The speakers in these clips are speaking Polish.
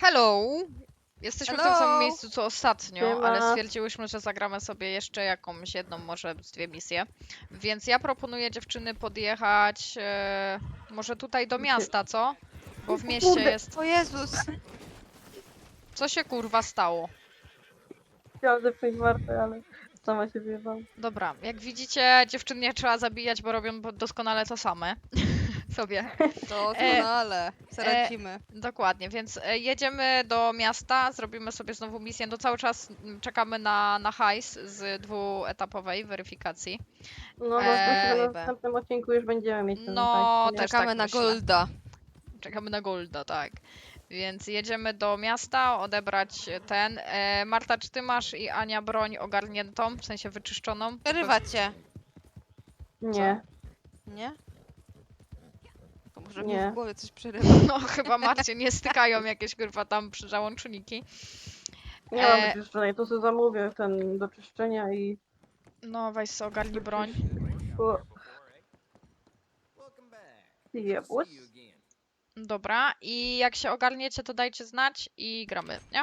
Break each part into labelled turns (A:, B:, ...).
A: Hello! Jesteśmy w tym
B: Hello!
A: samym miejscu co ostatnio,
C: Siema.
A: ale stwierdziłyśmy, że zagramy sobie jeszcze jakąś jedną, może z dwie misje. Więc ja proponuję dziewczyny podjechać może tutaj do miasta, co? Bo w mieście
C: Kurde.
A: jest...
B: O Jezus!
A: Co się kurwa stało?
C: Chciałam zepchnąć Martę, ale sama się wyjebałam.
A: Dobra, jak widzicie, dziewczyn nie trzeba zabijać, bo robią doskonale to same. Sobie.
B: Doskonale. Zaradzimy.
A: Dokładnie, więc jedziemy do miasta, zrobimy sobie znowu misję. No cały czas czekamy na hajs z dwuetapowej weryfikacji.
C: No, na
A: Ej,
C: następnym odcinku już będziemy mieć ten
A: No,
C: hajs, nie?
A: też
B: Czekamy
A: tak
B: na
A: myślę.
B: Golda.
A: Czekamy na Golda, tak. Więc jedziemy do miasta, odebrać ten. Marta, czy ty masz i Ania broń ogarniętą, w sensie wyczyszczoną?
B: Przerywa cię.
C: Nie.
B: Nie? To może
C: Nie.
B: mi w głowie coś przerywa.
A: No chyba Marcie nie stykają jakieś kurwa tam załączniki.
C: Nie mam wyczyszczonej, to sobie zamówię ten do czyszczenia i...
A: No weź sobie ogarnij broń.
C: O. Jebus.
A: Dobra, i jak się ogarniecie, to dajcie znać i gramy, nie?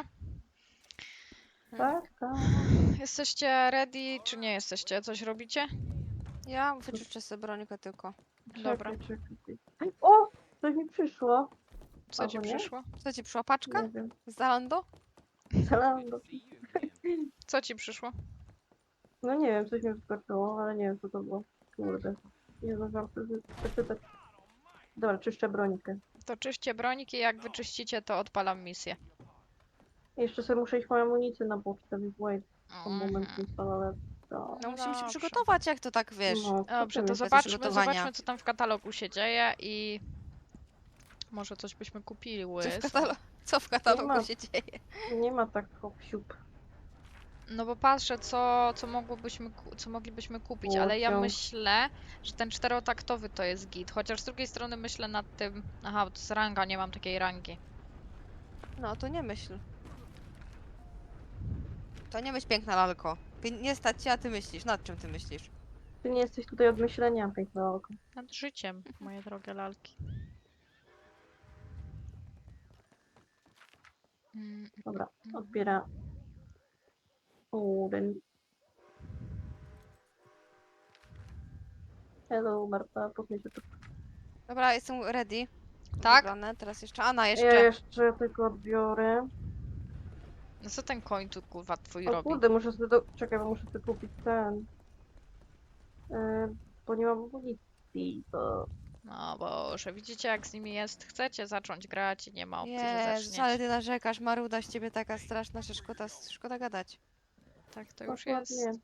C: Tak, tak.
A: Jesteście ready, czy nie jesteście? Coś robicie?
B: Ja wyczyszczę sobie brońkę tylko.
A: Dobra.
C: Czekaj. O! Coś mi przyszło.
A: Co ci
C: Albo nie?
A: przyszło?
B: Co ci przyszła paczka?
C: Nie wiem.
B: Z Zalando?
C: Zalando.
A: Co ci przyszło?
C: No nie wiem, coś mi wyskoczyło, ale nie wiem co to było. Kurde. Nie zdążyłam przeczytać. Dobra, czyszczę bronikę.
A: To czyście broniki, jak wyczyścicie, to odpalam misję.
C: Jeszcze sobie muszę iść po amunicję na pocztę, więc wait. Moment
A: Mhm.
C: nie stał, ale to...
B: No musimy się
A: Dobrze.
B: przygotować, jak to tak wiesz.
C: No,
A: Dobrze, to
C: zobaczymy.
A: zobaczmy, co tam w katalogu się dzieje i może coś byśmy kupili.
B: Co w
C: Nie ma.
B: katalogu się dzieje?
C: Nie ma tak hop-siup.
A: No bo patrzę, co moglibyśmy kupić, ale ja
C: Łodzią.
A: myślę, że ten czterotaktowy to jest git. Chociaż z drugiej strony myślę nad tym... Aha, bo to jest ranga, nie mam takiej rangi.
B: No to nie myśl. To nie myśl, piękna lalko. Nie stać cię, a ty myślisz. Nad czym ty myślisz?
C: Ty nie jesteś tutaj od myślenia, piękne oko.
A: Nad życiem, moje drogie lalki.
C: Dobra, odbiera. Ten. Hello, Marta, poznaj się tu.
B: Dobra, jestem ready.
A: Tak?
B: Wybrane. Teraz jeszcze Anna,
C: Ja
B: jeszcze.
C: jeszcze tylko odbiorę.
A: No co ten koń tu kurwa twój
C: O
A: robi?
C: kurde, muszę sobie Czekaj, bo muszę sobie kupić ten. Bo nie mam amunicji, to...
A: No boże, widzicie jak z nimi jest? Chcecie zacząć grać i nie ma opcji, że
B: Jezus, ale
A: zaczniecie.
B: ty narzekasz, Maruda z ciebie taka straszna, że szkoda gadać.
A: Tak to już
C: Dokładnie.
A: jest.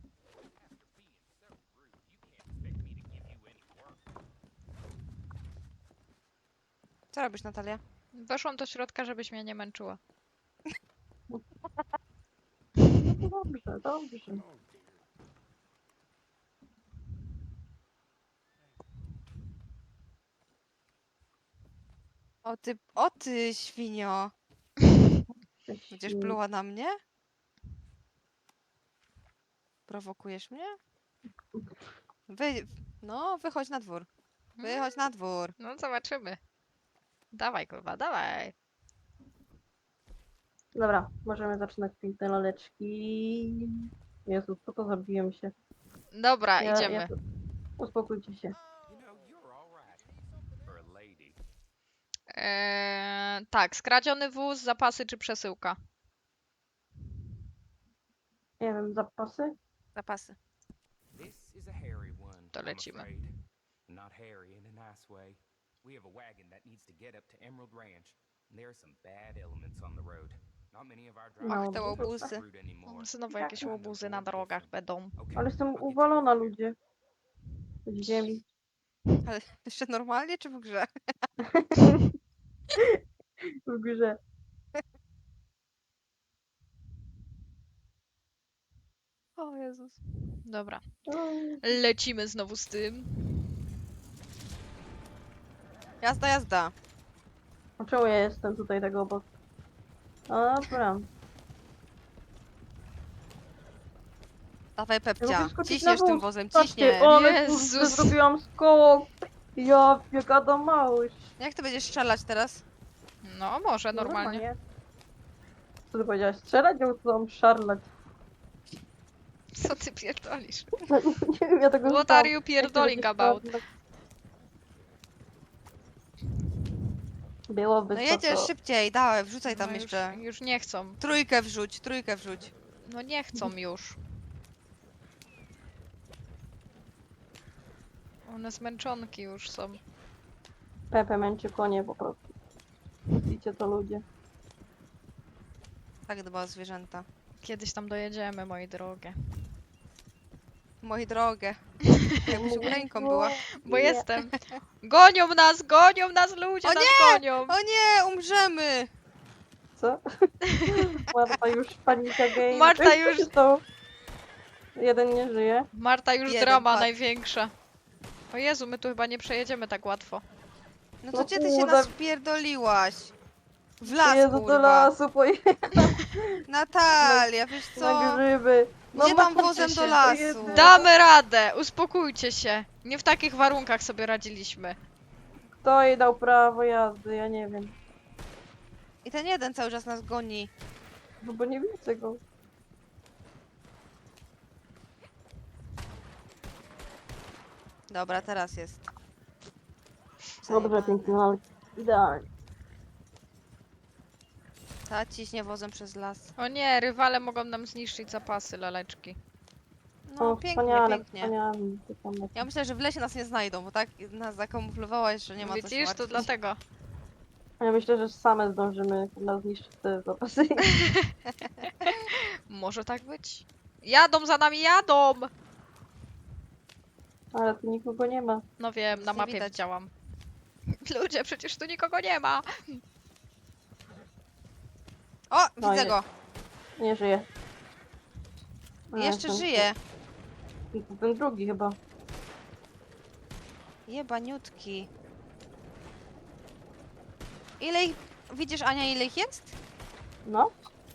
B: Co robisz, Natalia?
A: Weszłam do środka, żebyś mnie nie męczyła.
C: No dobrze, dobrze.
B: O ty, świnio! Będziesz
C: Mm,
B: pluła na mnie? Prowokujesz mnie? Wychodź na dwór. Wychodź na dwór.
A: No zobaczymy. Dawaj kurwa, dawaj.
C: Dobra, możemy zaczynać piękne laleczki. Jezu, co to zabiłem się.
A: Dobra, idziemy.
C: Uspokójcie się.
A: Tak, skradziony wóz, zapasy czy przesyłka?
C: Nie wiem, zapasy?
B: Zapasy.
A: To lecimy.
D: Not hairy in a nice way. We have a wagon that needs to get up to Emerald Ranch. And there are some bad elements on the road. Not many of our drivers
C: Ach, te
D: use this
B: łobuzy.
D: route anymore.
A: Znowu jakieś łobuzy na drogach będą.
D: Okay,
C: Ale jestem
D: I'll get you
C: uwalona,
D: over here.
C: ludzie. Z ziemi.
B: Ale jeszcze normalnie czy w grze?
C: W grze.
B: O Jezus.
A: Dobra,
C: Oj.
A: lecimy znowu z tym.
B: Jazda, jazda.
C: A czemu ja jestem tutaj tego obok? Dobra.
B: Dawaj,
C: Ja
B: Pepcia.
C: mogę skoczyć
B: Ciśniesz
C: na
B: tym
C: wóz.
B: wozem,
C: Patrzcie,
B: ciśnie.
C: ale
A: Jezus.
C: kurde, zrobiłam z koło. Ja, jak Adam Małysz.
B: Jak ty będziesz strzelać teraz?
A: No, może
C: No,
A: normalnie.
C: Co ty powiedziałaś? Strzelać ją chcą szarlać.
A: Co ty pierdolisz?
C: Nie wiem, ja tego
A: What
C: słuchałam.
A: are you pierdoling about?
C: Byłoby
B: No
C: to,
B: jedziesz
C: to.
B: szybciej, dawaj, wrzucaj tam
A: No
B: jeszcze.
A: już nie chcą.
B: Trójkę wrzuć, trójkę wrzuć.
A: No nie chcą już. One zmęczonki już są.
C: Pepe męczy konie po prostu. Widzicie to ludzie.
B: Tak dba o zwierzęta.
A: Kiedyś tam dojedziemy, moi drogie.
B: Moi drogie. Jakbyś Ukrainką była.
A: Bo
C: Nie.
A: jestem. Gonią nas ludzie,
B: O
A: nas gonią.
B: O nie, umrzemy!
C: Co? Marta już panika game.
A: Marta
C: Ej, co
A: już-
C: się stało? Jeden nie żyje.
A: Marta już
B: Jeden
A: drama
B: padł.
A: największa. O Jezu, my tu chyba nie przejedziemy tak łatwo.
B: No to
C: No
B: gdzie ty się
C: kurde.
B: nas wpierdoliłaś? W las,
C: Jezu, do
B: kurwa.
C: lasu pojechać
B: Natalia, wiesz
C: na
B: co?
C: grzyby.
B: Gdzie tam
C: Marta,
B: wozem do
A: się.
B: lasu?
C: Jezu.
A: Damy radę, uspokójcie się. Nie w takich warunkach sobie radziliśmy.
C: Kto jej dał prawo jazdy? Ja nie wiem.
B: I ten jeden cały czas nas goni.
C: No bo nie widzę go.
B: Dobra, teraz jest.
C: Dobrze,
B: Zajebane.
C: pięknie, ale idealnie.
B: Ta ciśnie wozem przez las.
A: O nie, rywale mogą nam zniszczyć zapasy, laleczki.
B: No
C: O,
B: pięknie,
C: wspaniale,
B: pięknie.
C: wspaniale. Ty tam
B: Ja myślę, że w lesie nas nie znajdą, bo tak nas zakamuflowałaś, że nie ma co się
A: Widzisz, to
B: martwić.
A: dlatego.
C: Ja myślę, że same zdążymy nas zniszczyć te zapasy.
A: Może tak być. Jadą za nami, jadą!
C: Ale tu nikogo nie ma.
A: No wiem,
B: Nic
A: na
B: nie
A: mapie
B: widać.
A: widziałam. Ludzie, przecież tu nikogo nie ma.
B: O,
C: No,
B: widzę
C: nie.
B: go.
C: Nie żyje. A,
B: Jeszcze
C: ten-
B: żyje.
C: Ten drugi chyba.
B: Jebaniutki. Ile ich... Widzisz, Ania, ile ich jest?
C: No,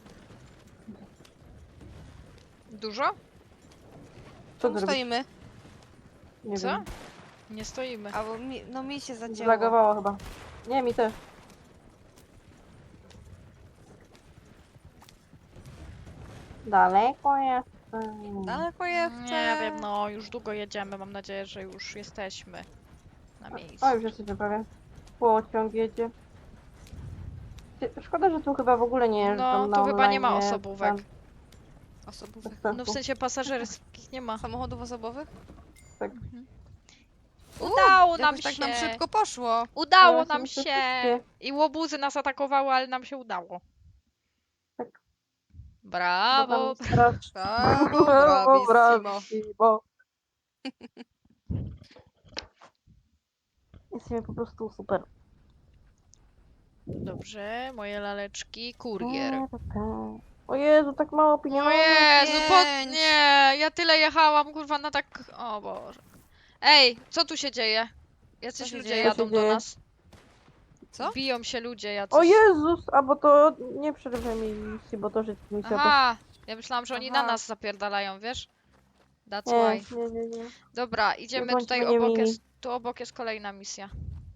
A: Dużo?
C: co
B: Czemu
C: ty robisz?
B: stoimy?
C: Nie
A: Co?
C: wiem.
A: Nie stoimy.
B: Albo no mi się zacięło.
C: Zlagowało chyba. Nie, mi też. Daleko jestem.
B: Daleko ja chcę.
A: Nie wiem, no już długo jedziemy. Mam nadzieję, że już jesteśmy na miejscu.
C: O, już jesteśmy prawie. Pociąg jedzie. Szkoda, że tu chyba w ogóle nie jeżdżą
A: No,
C: na
A: tu chyba nie ma
C: online,
A: osobówek.
C: tam
B: Osobówek.
C: bez sensu.
A: No w sensie pasażerskich nie ma.
B: Samochodów osobowych?
A: Udało nam
B: Jakoś tak
A: się.
B: nam szybko poszło.
A: Udało
C: Ale
A: nam
C: są
A: się.
C: szybkie.
A: I łobuzy nas atakowały, ale nam się udało.
C: Tak.
A: Brawo.
C: Bo tam strasz-
B: Brawo,
C: Brawo,
B: bravissimo.
C: bravissimo. Jesteśmy po prostu super.
A: Dobrze, moje laleczki. Kurier.
C: O Jezu, tak mało
A: O
C: pieniędzy.
A: Jezu,
B: pięć.
A: nie, ja tyle jechałam, kurwa, na tak... O Boże. Ej, co tu się dzieje? Jacyś
B: się
A: ludzie
B: dzieje?
A: jadą
C: Co się
A: do
C: dzieje?
A: nas.
B: Co?
A: Biją się ludzie jacyś.
C: O Jezus, a bo to nie przerwę mi misji, bo to życie misja.
A: Aha, ja myślałam, że oni na
B: Aha.
A: nas zapierdalają, wiesz? That's
C: Nie,
A: why.
C: nie.
A: Dobra, idziemy
C: bądźmy
A: tutaj
C: niemili.
A: obok jest, tu obok jest kolejna misja.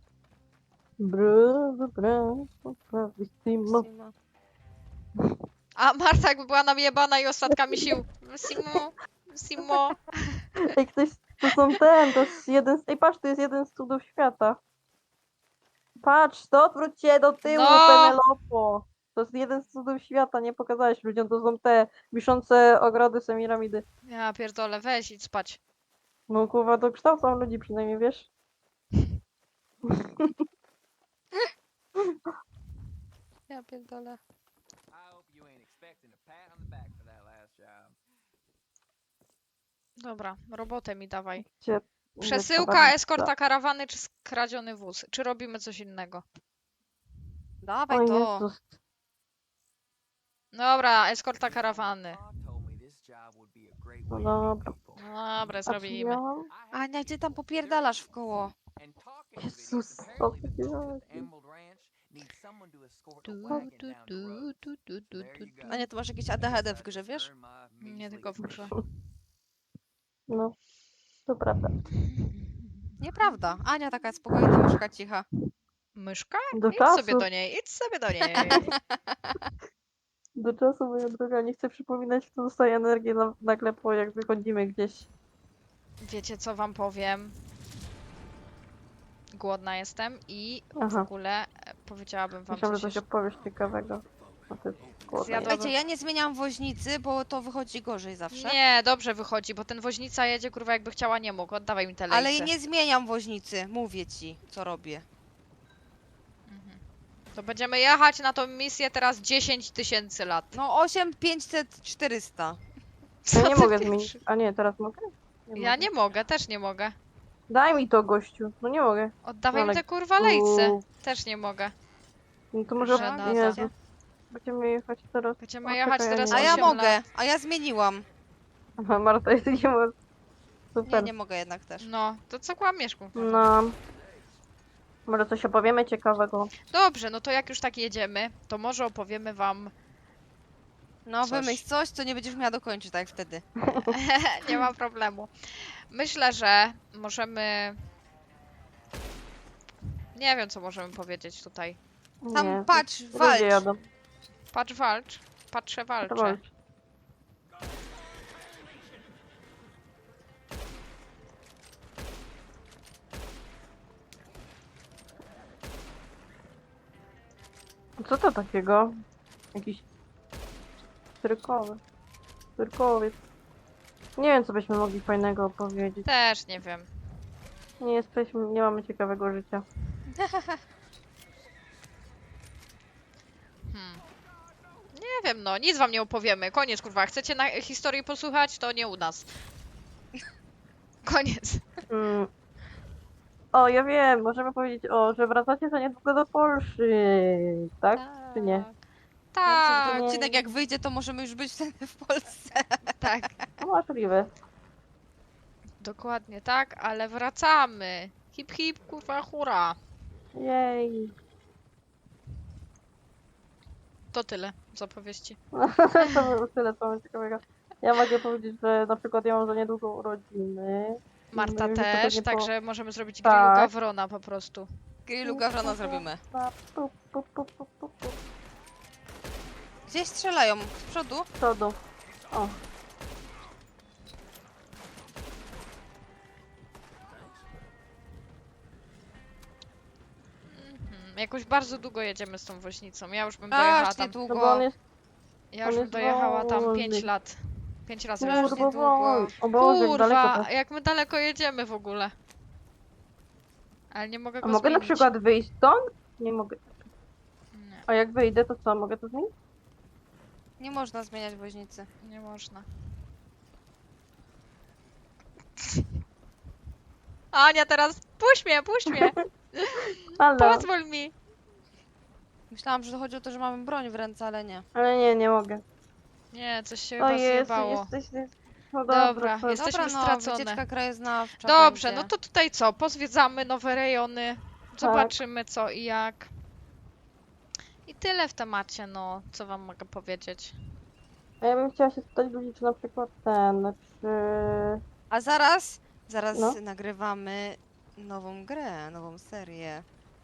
C: Bravissimo.
B: Bravissimo.
A: A Marta jakby była najebana i ostatkami sił. Simo.
C: Ej, ktoś, to jest jeden z, ej patrz, to jest jeden z cudów świata. Patrz, to odwróć się do tyłu,
A: No.
C: Penelopo. To jest jeden z cudów świata, nie pokazałeś ludziom, to są te wiszące ogrody Semiramidy.
A: Ja pierdolę, weź idź spać.
C: No kurwa, to kształcą ludzi przynajmniej, wiesz?
B: Ja pierdolę.
D: I hope you ain't expecting a pat on the back for that last job.
A: Dobra, robotę mi dawaj.
C: Gdzie-
A: Przesyłka,
C: gdzie
A: eskorta karawany czy skradziony wóz? Czy robimy coś innego?
B: Dawaj
C: O
B: to.
C: Jezus.
A: Dobra, eskorta karawany.
D: Ma told me this job would be a great
C: No
D: way to meet
C: dobra.
D: people.
A: No dobra,
C: A
A: zrobimy.
C: miałam?
D: I have
B: Ania, gdzie tam popierdalasz w koło?
D: and talking
C: Jezus,
D: videos.
C: co
D: Apparently
C: ty
D: the folks at
C: robisz?
D: Emerald Ranch need someone to escort a
A: Du,
D: wagon
A: du,
D: down the
A: du,
D: road.
A: du, du, du,
D: There
A: du,
D: you
A: du.
D: go.
B: Ania, ty masz jakieś ADHD w grze, wiesz?
D: Earn my
A: Nie
D: measly
A: tylko w grze.
C: No, to prawda.
B: Nieprawda. Ania taka spokojna, myszka cicha.
A: Myszka?
C: Do
A: Idź
C: czasu,
A: sobie do niej, idź sobie do niej.
C: do czasu, moja droga. Nie chcę przypominać, kto dostaje energię nagle po jak wychodzimy gdzieś.
A: Wiecie co wam powiem? Głodna jestem i w
C: Aha.
A: ogóle powiedziałabym wam
C: Myślałam,
A: coś
C: że coś
A: jeszcze.
C: opowiesz ciekawego. A ty głodna
A: Zjadłabym-
B: Słuchajcie, ja nie zmieniam woźnicy, bo to wychodzi gorzej zawsze.
A: Nie, dobrze wychodzi, bo ten woźnica jedzie, kurwa, jakby chciała, nie mógł. Oddawaj mi te lejce.
B: Ale nie zmieniam woźnicy, mówię ci, co robię.
A: Mhm. To będziemy jechać na tą misję teraz 10 000 lat.
B: No 8, 500, 400.
A: Co
C: Ja nie
A: ty
C: mogę
A: pierwszy?
C: zmienić. A nie, teraz mogę?
A: Ja
C: mogę.
A: nie mogę, też nie mogę.
C: Daj mi to, gościu. No nie mogę.
A: Oddawaj mi
C: Ale
A: te kurwa lejce.
C: ku-
A: Też nie mogę.
C: No to może...
A: Żenada.
C: Jezu. Będziemy jechać teraz.
A: Będziemy
C: O,
A: jechać
C: czekaj,
A: teraz
C: nie
B: A ja
A: 8
B: mogę,
A: lat.
B: a ja zmieniłam.
C: Aha, Marta, jest nie ma...
B: Nie,
C: Super.
B: nie mogę jednak też.
A: No, to co kłamiesz, kurwa?
C: No. Może coś opowiemy ciekawego.
A: Dobrze, no to jak już tak jedziemy, to może opowiemy wam...
B: No
A: Coś.
B: wymyśl coś, co nie będziesz miała dokończyć, tak jak wtedy.
A: Nie ma problemu. Myślę, że możemy... Nie wiem, co możemy powiedzieć tutaj.
B: Tam
C: Nie,
B: patrz,
C: ludzie
B: walcz.
C: jadą.
A: Patrz, walcz. Patrzę,
C: To
A: walczę.
C: walcz. Co to takiego? Jakiś cyrkowy. Cyrkowiec. Nie wiem, co byśmy mogli fajnego opowiedzieć.
A: Też nie wiem.
C: Nie jesteśmy, nie mamy ciekawego życia.
A: Nie wiem, no, nic wam nie opowiemy. Koniec, kurwa. Chcecie na historii posłuchać, to nie u nas. Koniec.
C: Mm. O, ja wiem, możemy powiedzieć, że wracacie za niedługo do Polski, tak? Czy nie?
A: Tak,
B: Ten odcinek jak wyjdzie, to możemy już być wtedy w Polsce.
A: tak.
C: No możliwe.
A: Dokładnie tak, ale wracamy. Hip hip, kurwa, hura.
C: Jej.
A: To tyle z opowieści.
C: To było tyle, co mam ciekawego. Ja mogę powiedzieć, że na przykład ja mam za niedługo urodziny.
A: Marta
C: No i to
A: też,
C: pewnie po-
A: także możemy zrobić
C: Tak.
A: grillu gawrona po prostu.
B: Grillu gawrona zrobimy.
C: Pu, pu, pu, pu, pu, pu.
B: Gdzieś strzelają, z przodu.
C: Z przodu. O,
A: Jakoś bardzo długo jedziemy z tą woźnicą. Ja już bym dojechała
B: Aż
A: tam.
C: no bo
B: niedługo.
C: on jest
A: Ja
C: on
A: już bym
C: jest
A: dojechała tam
C: wolny.
A: 5 lat. 5 razy już.
B: Aż
C: turbo
B: niedługo.
C: wolny. O Boże, jak daleko
A: Kurwa,
C: to.
A: jak my daleko jedziemy w ogóle. Ale nie mogę
C: A
A: go
C: mogę na
A: zmienić.
C: przykład wyjść stąd? Nie mogę.
A: Nie,
C: A jak wyjdę, to co? Mogę to zmienić?
B: Nie można zmieniać woźnicy.
A: nie można. Ania, teraz puść mnie,
C: Ale,
A: pozwól mi.
B: Myślałam, że chodzi o to, że mamy broń w ręce, ale nie.
C: ale nie mogę.
A: Nie, coś się
C: O
A: chyba
C: Jezu,
A: zjebało.
C: jesteś... No
A: Dobra,
C: to-
A: Jesteśmy
B: Dobra, no,
A: stracone.
B: wycieczka krajoznawcza
A: Dobrze,
B: będzie.
A: no to tutaj co? Pozwiedzamy nowe rejony, zobaczymy co i jak. I tyle w temacie, no, co wam mogę powiedzieć.
C: A ja bym chciała się spytać ludzi, czy na przykład czy...
B: A zaraz
C: No.
B: nagrywamy nową grę, nową serię.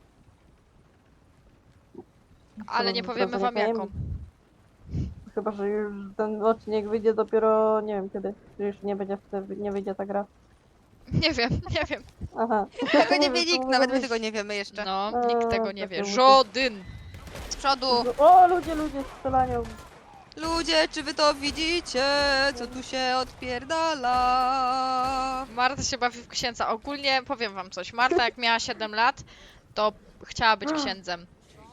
A: Ale nie
C: Teraz
A: powiemy wam
C: zamykajemy.
A: jaką.
C: Chyba, że już ten odcinek wyjdzie dopiero, nie wiem kiedy. Czy już nie będzie wtedy, nie wyjdzie ta gra.
A: Nie wiem, nie wiem.
C: Aha.
B: Tego nie wie
C: To
B: nikt,
C: może
B: nawet my
C: być-
B: tego nie wiemy jeszcze.
A: No, nikt tego nie
C: tak
A: wie.
C: to mówię.
A: Żaden.
B: Z przodu!
C: O, ludzie strzelają.
B: Ludzie, czy wy to widzicie? Co tu się odpierdala?
A: Marta się bawi w księdza. Ogólnie powiem wam coś. Marta jak miała 7 lat, to chciała być księdzem.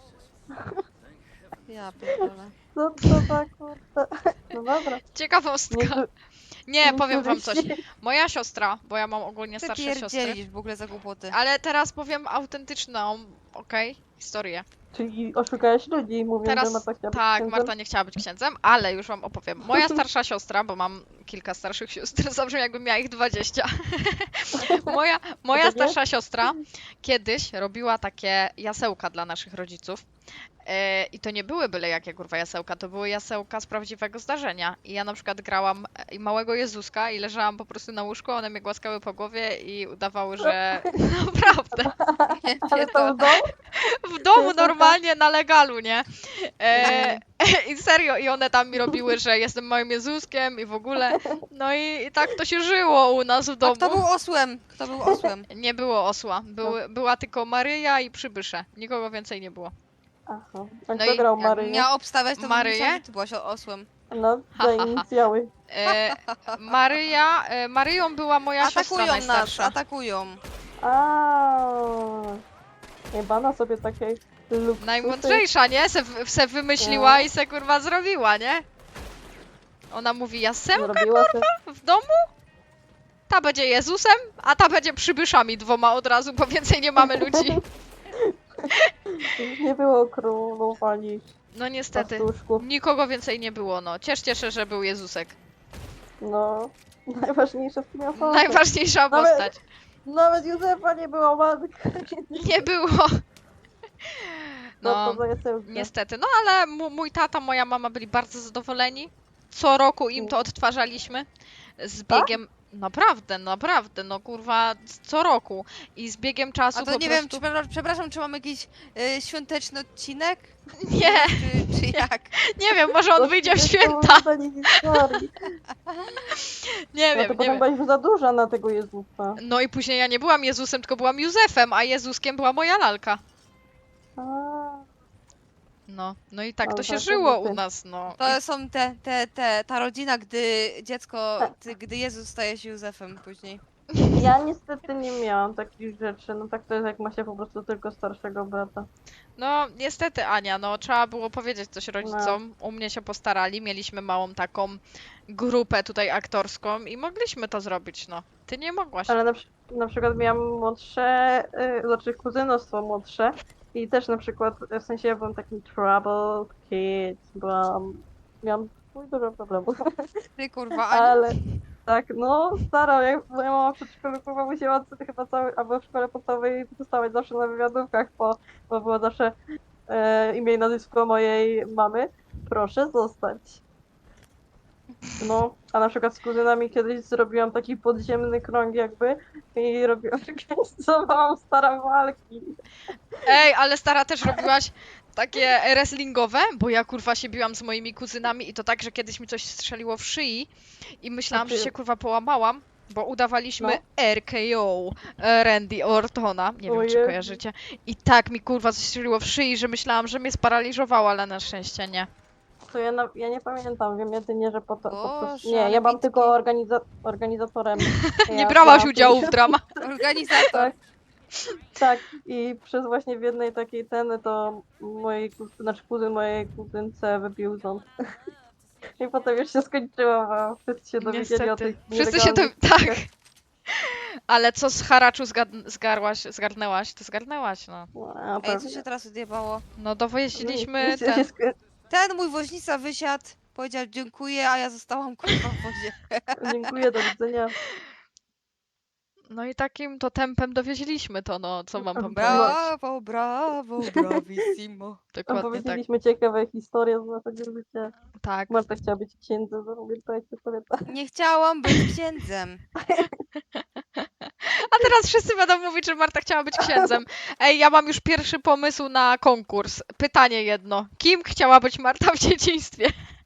B: Ja pierdolę.
C: Co to za kurde? No dobra.
A: Ciekawostka. Nie, powiem wam coś.
C: niektórzy się-
A: Moja siostra, bo ja mam ogólnie
B: Ty
A: starsze siostry.
B: pierdzielisz w ogóle za głupoty.
A: Ale teraz powiem autentyczną, okej, historię.
C: Czyli oszukałeś ludzi, mówiąc,
A: Teraz
C: że Marta chciała być
A: tak,
C: księdzem?
A: Marta nie chciała być księdzem, ale już wam opowiem. Moja starsza siostra, bo mam kilka starszych sióstr, zabrzmi jakbym miała ich 20. Moja
C: Takie?
A: starsza siostra kiedyś robiła takie jasełka dla naszych rodziców. I to nie były byle jakie kurwa jasełka, to były jasełka z prawdziwego zdarzenia. I ja na przykład grałam małego Jezuska i leżałam po prostu na łóżku, one mnie głaskały po głowie i udawały, że naprawdę.
C: Ale to w domu?
A: W domu
C: Jezuska?
A: normalnie na legalu, nie? I serio, i one tam mi robiły, że jestem małym Jezuskiem i w ogóle. No i tak to się żyło u nas w
B: A
A: domu.
B: kto był osłem? Kto był osłem?
A: Nie było osła. Była tylko Maryja i przybysze. Nikogo więcej nie było.
C: Aha. A
A: No
C: kto
A: i
C: grał
B: Jak
C: Maryję?
B: miała obstawiać, to bym
A: Maryję?
B: myślała, że ty byłaś osłem.
C: No,
A: Ha,
C: daj
A: ha, ha.
C: inicjały.
A: Maryją była moja siostra
B: Atakują nas,
A: najstarsza.
B: atakują.
C: Jebana sobie takiej luksusy.
A: Najmądrzejsza, nie? Se wymyśliła i se kurwa zrobiła, nie? Ona mówi, jasełka
C: Zrobiła se...
A: w domu? Ta będzie Jezusem, a ta będzie przybyszami 2 od razu, bo więcej nie mamy ludzi.
C: Już nie było królów ani
A: No niestety.
C: pastuszków.
A: Nikogo więcej nie było, no. Cieszcie się, że był Jezusek.
C: No, najważniejsza w tym osoba.
A: Najważniejsza
C: Nawet-
A: postać.
C: Nawet Józefa nie było matka.
A: Nie było.
C: No,
A: No,
C: to za jasełka.
A: niestety. No ale mój tata, moja mama byli bardzo zadowoleni. Co roku im to odtwarzaliśmy. Z biegiem... Naprawdę, naprawdę, no kurwa, co roku. I z biegiem czasu
B: A to
A: po
B: nie
A: prostu...
B: wiem, przepraszam, czy mam jakiś świąteczny odcinek?
A: Nie,
B: Czy jak?
A: nie wiem, może on
C: To
A: wyjdzie w
C: jest
A: święta.
C: powiązanie historii.
A: Nie
C: No
A: wiem,
C: to
A: nie
C: potem
A: wiem.
C: byłaś już za duża na tego Jezusa.
A: No i później ja nie byłam Jezusem, tylko byłam Józefem, a Jezuskiem była moja lalka.
C: A,
A: No i tak
C: Ale
A: to się
C: tak,
A: żyło
C: jakby
A: u
C: ty.
A: nas, no.
B: To są ta rodzina, gdy dziecko, gdy Jezus staje się Józefem później.
C: ja niestety nie miałam takich rzeczy. No tak to jest, jak ma się po prostu tylko starszego brata.
A: No, niestety, Ania, no trzeba było powiedzieć coś rodzicom. U mnie się postarali, mieliśmy małą taką grupę tutaj aktorską i mogliśmy to zrobić, no. Ty nie mogłaś.
C: Ale na przykład miałam młodsze, znaczy kuzynostwo młodsze i też na przykład, w sensie ja byłam takim troubled kid, miałam dużo problemów,
B: Ty kurwa, Ania.
C: ale tak, no stara, jak moja mama w przedszkolu kurwa musiała chyba albo w szkole podstawowej dostawać zawsze na wywiadówkach, bo było zawsze imię i nazwisko mojej mamy, proszę zostać. No, a na przykład z kuzynami kiedyś zrobiłam taki podziemny krąg jakby i organizowałam stare walki.
A: Ej, ale stara też robiłaś takie wrestlingowe, bo ja kurwa się biłam z moimi kuzynami i to tak, że kiedyś mi coś strzeliło w szyi i myślałam, że się kurwa połamałam, bo udawaliśmy
C: No.
A: RKO Randy Ortona, nie wiem
C: O
A: czy
C: Jezu.
A: kojarzycie. I tak mi kurwa coś strzeliło w szyi, że myślałam, że mnie sparaliżowało, ale na szczęście nie.
C: To ja nie pamiętam, wiem jedynie, że po prostu...
B: Boże,
C: Nie,
B: ale
C: ja byłam
B: bitki.
C: tylko organizatorem.
A: Nie
C: Ja
A: brałaś
C: byłam
A: udziału
C: tylko-
A: w dramach.
B: Organizator.
C: Tak. Tak, i przez właśnie w jednej takiej to znaczy kuzyn mojej kuzynce wybił ząb. I potem już się skończyło, bo wszyscy się dowiedzieli o
A: Niestety.
C: tych
A: Wszyscy się to...
C: nielegalnych
A: Tak. Ale co z haraczu zgarnęłaś, to zgarnęłaś, no.
C: No,
B: Ej, co się teraz odjebało?
A: No dowoźiliśmy
C: się
A: ten...
B: Ten mój woźnica wysiadł, powiedział dziękuję, a ja zostałam kurwa w wozie.
C: Dziękuję, do widzenia.
A: No i takim to tempem dowieźliśmy to, no, co mam wam powiedzieć.
B: Brawo, brawo, bravissimo.
A: Dokładnie tak.
C: Opowiedzieliśmy ciekawe historie z naszego życia.
A: Tak.
C: Marta chciała być księdzem, pamiętajcie sobie tak.
B: Nie chciałam być księdzem.
A: A teraz wszyscy będą mówić, że Marta chciała być księdzem. Ej, ja mam już pierwszy pomysł na konkurs. Pytanie jedno. Kim chciała być Marta w dzieciństwie?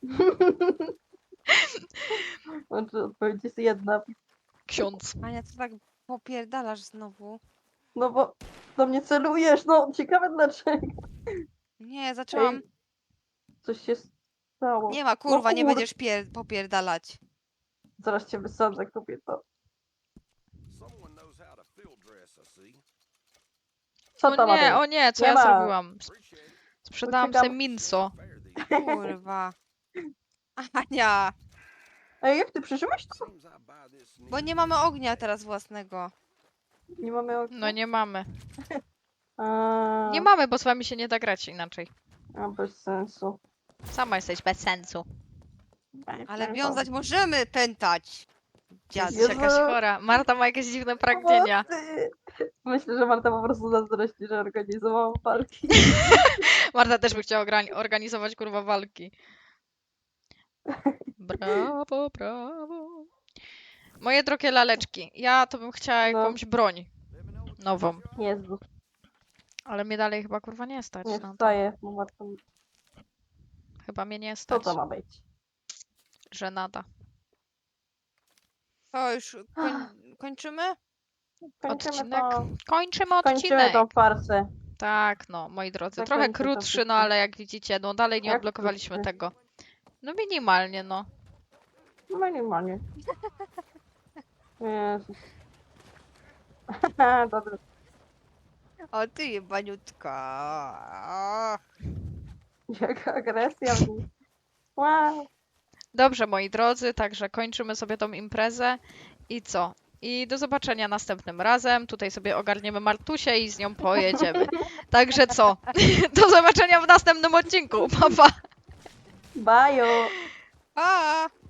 C: Znaczy, odpowiedź jest jedna.
A: Ksiądz.
B: Ania, co tak popierdalasz znowu?
C: No bo do mnie celujesz, no ciekawe dlaczego.
B: Nie, zaczęłam.
C: Ej, coś się stało.
B: Nie ma kurwa, nie
C: kur-
B: będziesz popierdalać.
C: Zaraz cię wysadzę, kobieto.
E: Someone knows how to field dress, I see.
C: Co tam ma być?
A: O nie, co
C: Nie
A: ja
C: ma.
A: zrobiłam?
E: Appreciate it.
A: Sprzedałam
C: Uciekam.
A: se minso.
E: Fair these
B: Kurwa. Ania,
C: Ej, jak ty przeżyłeś to?
E: seems I buy this
B: bo nie mamy ognia teraz własnego.
C: Nie mamy okna?
A: No nie mamy.
C: A,
A: Nie mamy, bo z wami się nie da grać inaczej.
C: a, bez sensu.
A: Sama jesteś bez sensu.
B: Ale wiązać możemy, pętać. Dziad.
A: Jesteś jakaś
C: Jezu.
A: chora. Marta ma jakieś dziwne pragnienia.
C: Pomocy! Myślę, że Marta po prostu zazdrości, że organizowała walki.
A: Marta też by chciała organizować kurwa walki. Brawo, brawo. Moje drogie laleczki, ja to bym chciała
C: No.
A: jakąś broń nową,
C: Jezu,
A: ale mnie dalej chyba kurwa nie stać
C: nie
A: na to.
C: wstaję, bo Marta...
A: Chyba mnie nie
C: Co
A: stać,
C: to ma być?
A: że nada.
B: To już kończymy?
C: Kończymy
A: Odcinek.
C: to.
A: Kończymy
C: Kończymy
A: odcinek.
C: tą farsę.
A: Tak, no, moi drodzy. Trochę
C: Zakończmy to
A: krótszy, no
C: wszystko.
A: ale jak widzicie, no dalej nie
C: Jak
A: odblokowaliśmy
C: krótszy?
A: tego. No minimalnie, no.
C: Minimalnie. Jezus. Dobry.
B: O ty jebaniutka.
C: Jaka agresja w nim. Wow.
A: Dobrze, moi drodzy, także kończymy sobie tą imprezę i co? I do zobaczenia następnym razem. Tutaj sobie ogarniemy Martusię i z nią pojedziemy. Także co? Do zobaczenia w następnym odcinku. Pa, pa!
C: Bye.
B: Pa!